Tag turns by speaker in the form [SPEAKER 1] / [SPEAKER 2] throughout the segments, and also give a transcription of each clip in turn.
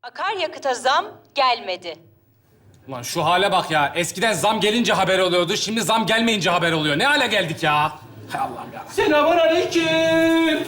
[SPEAKER 1] Akaryakıta zam gelmedi.
[SPEAKER 2] Ulan şu hale bak ya. Eskiden zam gelince haber oluyordu. Şimdi zam gelmeyince haber oluyor. Ne hale geldik ya? Hay Allah'ım ya.
[SPEAKER 3] Selamünaleyküm.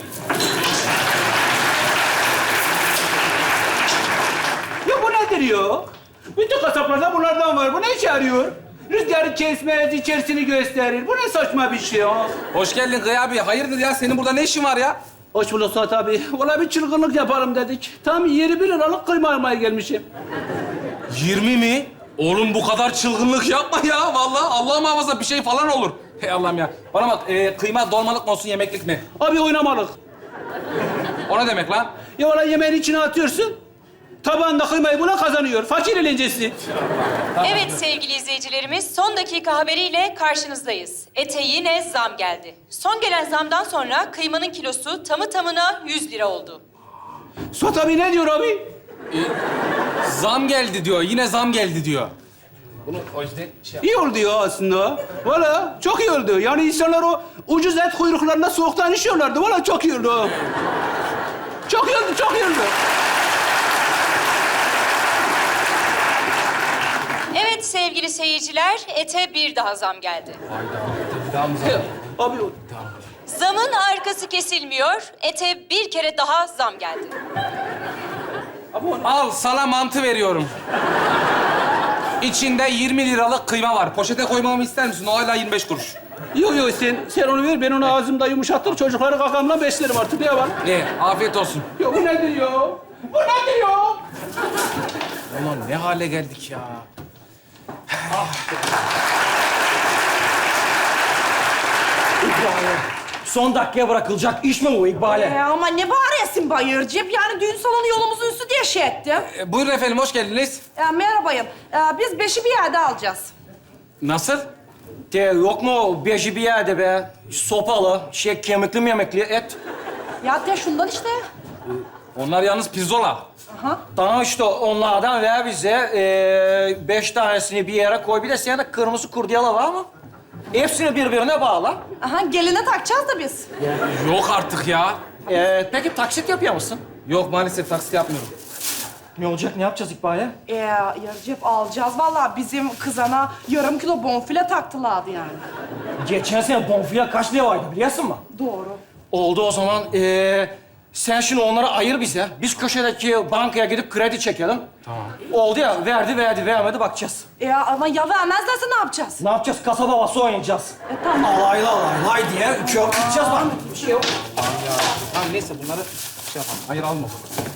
[SPEAKER 3] Ya bu nedir ya? Bütün kasaplarda bunlardan var. Bu ne işe yarıyor? Rüzgarı kesmez, içerisini gösterir. Bu ne saçma bir şey ya?
[SPEAKER 2] Hoş geldin Kaya abi. Hayırdır ya? Senin burada ne işin var ya?
[SPEAKER 3] Hoş bulduk Suat abi. Valla bir çılgınlık yapalım dedik. Tam 21 liralık kıyma almaya gelmişim.
[SPEAKER 2] 20 mi? Oğlum bu kadar çılgınlık yapma ya. Vallahi Allah muhafaza bir şey falan olur. Hey Allah'ım ya. Bana bak kıyma dolmalık mı olsun yemeklik mi?
[SPEAKER 3] Abi oynamalık.
[SPEAKER 2] O ne demek lan?
[SPEAKER 3] Ya valla yemeğin içine atıyorsun. Tabağında kıymayı buna kazanıyor. Fakir eğlencesi.
[SPEAKER 1] Evet sevgili izleyicilerimiz, son dakika haberiyle karşınızdayız. Ete yine zam geldi. Son gelen zamdan sonra kıymanın kilosu tamı tamına 100 lira oldu.
[SPEAKER 3] Suat abi ne diyor abi?
[SPEAKER 2] Zam geldi diyor. Yine zam geldi diyor. Bunu o yüzden
[SPEAKER 3] İyi oldu ya aslında. Valla çok iyi oldu. Yani insanlar o ucuz et kuyruklarında soğuktan işiyorlardı. Valla çok iyi oldu. Çok iyi oldu, çok iyi oldu.
[SPEAKER 1] Evet sevgili seyirciler, ete bir daha zam geldi.
[SPEAKER 3] Abi
[SPEAKER 1] Zamın arkası kesilmiyor, ete bir kere daha zam geldi.
[SPEAKER 2] Al sana mantı veriyorum. İçinde 20 liralık kıyma var. Poşete koymamı ister misin? O hala 25 kuruş.
[SPEAKER 3] yok sen onu ver. Ben onu ağzımda yumuşatır. Çocukları kakamla beslerim artık. Ne var?
[SPEAKER 2] Afiyet olsun.
[SPEAKER 3] Ya bu nedir ya? Bu nedir ya?
[SPEAKER 2] Ulan ne hale geldik ya.
[SPEAKER 4] Son dakikaya bırakılacak iş mi bu İkbal'e?
[SPEAKER 5] Ama ne bağırıyorsun Bayırcığım? Yani düğün salonu yolumuzun üstü diye şey ettim.
[SPEAKER 2] Buyurun efendim, hoş geldiniz.
[SPEAKER 5] Merhabayım. Biz beşi bir yerde alacağız.
[SPEAKER 2] Nasıl?
[SPEAKER 4] De yok mu beji bir yerde be? Sopalı, kemikli memekli et.
[SPEAKER 5] Ya de şundan işte.
[SPEAKER 2] Onlar yalnız pirzola.
[SPEAKER 4] Tamam işte onlardan ver bize. 5 tanesini bir yere koy. Bir de senin de kırmızı kurdiyala var mı? Hepsini birbirine bağla.
[SPEAKER 5] Aha, geline takacağız da biz.
[SPEAKER 2] Yok artık ya.
[SPEAKER 4] Peki taksit yapıyor musun?
[SPEAKER 2] Yok maalesef taksit yapmıyorum.
[SPEAKER 4] Ne olacak, ne yapacağız İkbal'e?
[SPEAKER 5] Yarıcık alacağız. Vallahi bizim kızana yarım kilo bonfile taktılardı yani.
[SPEAKER 4] Geçen sene bonfile kaç lira vardı biliyorsun mu?
[SPEAKER 5] Doğru.
[SPEAKER 4] Oldu o zaman. Sen şimdi onları ayır bize. Biz köşedeki bankaya gidip kredi çekelim. Tamam. Oldu ya, vermedi bakacağız.
[SPEAKER 5] Ama ya vermezlerse ne yapacağız?
[SPEAKER 4] Ne yapacağız? Kasaba havası oynayacağız.
[SPEAKER 5] Tamam.
[SPEAKER 4] Alaylı diye köp gideceğiz bak. Bir şey yok.
[SPEAKER 2] Tamam neyse bunları şey yapalım. Hayır alma.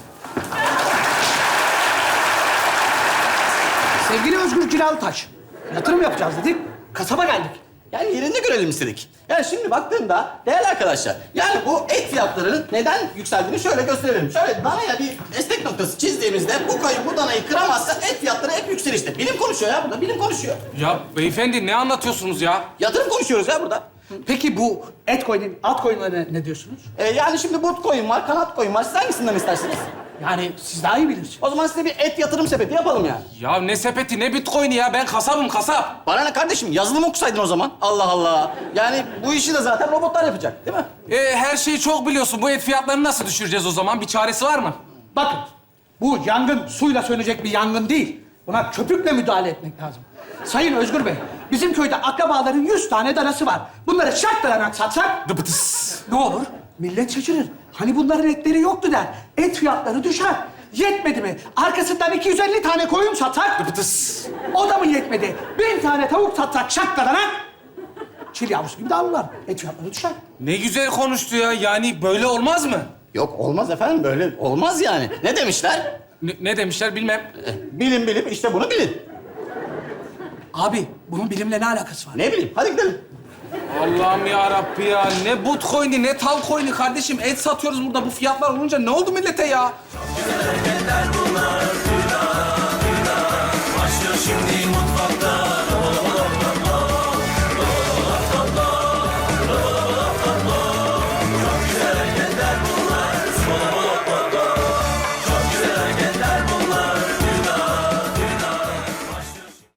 [SPEAKER 6] Sevgili Özgür Cilalıtaş, yatırım yapacağız dedik, kasaba geldik.
[SPEAKER 7] Yani yerinde görelim istedik. Yani şimdi baktığımda değerli arkadaşlar, yani bu et fiyatlarının neden yükseldiğini şöyle gösterelim. Şöyle danaya bir destek noktası çizdiğimizde bu koyun bu danayı kıramazsa et fiyatları hep yükselişte. Bilim konuşuyor ya burada, bilim konuşuyor.
[SPEAKER 2] Ya beyefendi ne anlatıyorsunuz ya?
[SPEAKER 7] Yatırım konuşuyoruz ya burada.
[SPEAKER 6] Peki bu et koyun, at koyunlarına ne diyorsunuz?
[SPEAKER 7] Yani şimdi but koyun var, kanat koyun var. Siz hangisinden istersiniz?
[SPEAKER 6] Yani siz daha iyi bilirsiniz.
[SPEAKER 7] O zaman size bir et yatırım sepeti yapalım yani.
[SPEAKER 2] Ya ne sepeti ne bitcoin'i ya? Ben kasabım kasap.
[SPEAKER 7] Bana ne kardeşim, yazılım okusaydın o zaman. Allah Allah. Yani bu işi de zaten robotlar yapacak, değil mi?
[SPEAKER 2] Her şeyi çok biliyorsun. Bu et fiyatlarını nasıl düşüreceğiz o zaman? Bir çaresi var mı?
[SPEAKER 6] Bakın, bu yangın suyla sönecek bir yangın değil. Buna köpükle müdahale etmek lazım. Sayın Özgür Bey, bizim köyde akrabaların 100 tane danası var. Bunları şartlayarak satsak
[SPEAKER 2] Dıbıtıs.
[SPEAKER 6] ne olur? Millet şaşırır. Hani bunların etleri yoktu der. Et fiyatları düşer. Yetmedi mi? Arkasından 250 tane koyun satsak
[SPEAKER 2] Dıbıtıs.
[SPEAKER 6] o da mı yetmedi? 1000 tane tavuk satsak şaklanarak çil yavrusu gibi dağılırlar. Et fiyatları düşer.
[SPEAKER 2] Ne güzel konuştu ya. Yani böyle olmaz mı?
[SPEAKER 7] Yok olmaz efendim, böyle olmaz yani. Ne demişler?
[SPEAKER 2] Ne demişler bilmem.
[SPEAKER 7] Bilin işte bunu bilin.
[SPEAKER 6] Abi bunun bilimle ne alakası var?
[SPEAKER 7] Ne bileyim, hadi gidelim.
[SPEAKER 2] Allah'ım ya Rabbi ya. Ne bitcoin'i ne tal coin'i kardeşim. Et satıyoruz burada. Bu fiyatlar olunca ne oldu millete ya?
[SPEAKER 8] Başlıyor şimdi mutfakta